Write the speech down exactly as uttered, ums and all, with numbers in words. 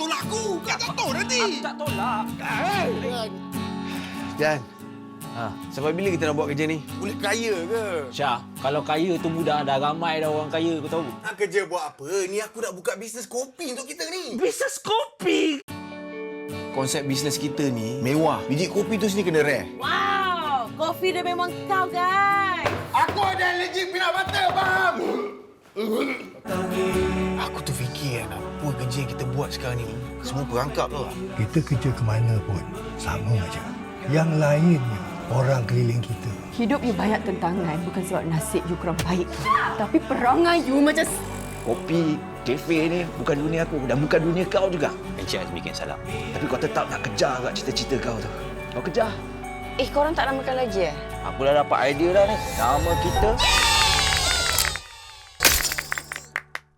tolak aku. Kau tak tahu nanti. Aku tak tolak. Jan, Ha. sampai bila kita nak buat kerja ni? Boleh kaya ke? Syah, kalau kaya tu mudah. Dah ramai dah orang kaya, kau tahu. Nak kerja buat apa? Ni aku nak buka bisnes kopi untuk kita ni. Bisnes kopi. Konsep bisnes kita ni mewah. Biji kopi tu sini kena rare. Wow, kopi dia memang kau, guys. Aku ada allergic peanut butter, faham? Aku tu fikir kan, apa kerja yang kita buat sekarang ni, semua perangkap tau. Kita kerja ke mana pun sama aja. Yang lainnya orang keliling kita. Hidup you banyak tentangan bukan sebab nasib you kurang baik. Tapi perangai you macam... Kopi, kafe ni bukan dunia aku dan bukan dunia kau juga. Encik Azmi bikin salah. Tapi kau tetap nak kejar kat cita-cita kau tu. Kau kejar. Eh, korang tak namakan lagi eh? Aku dah dapat idea dah ni. Nama kita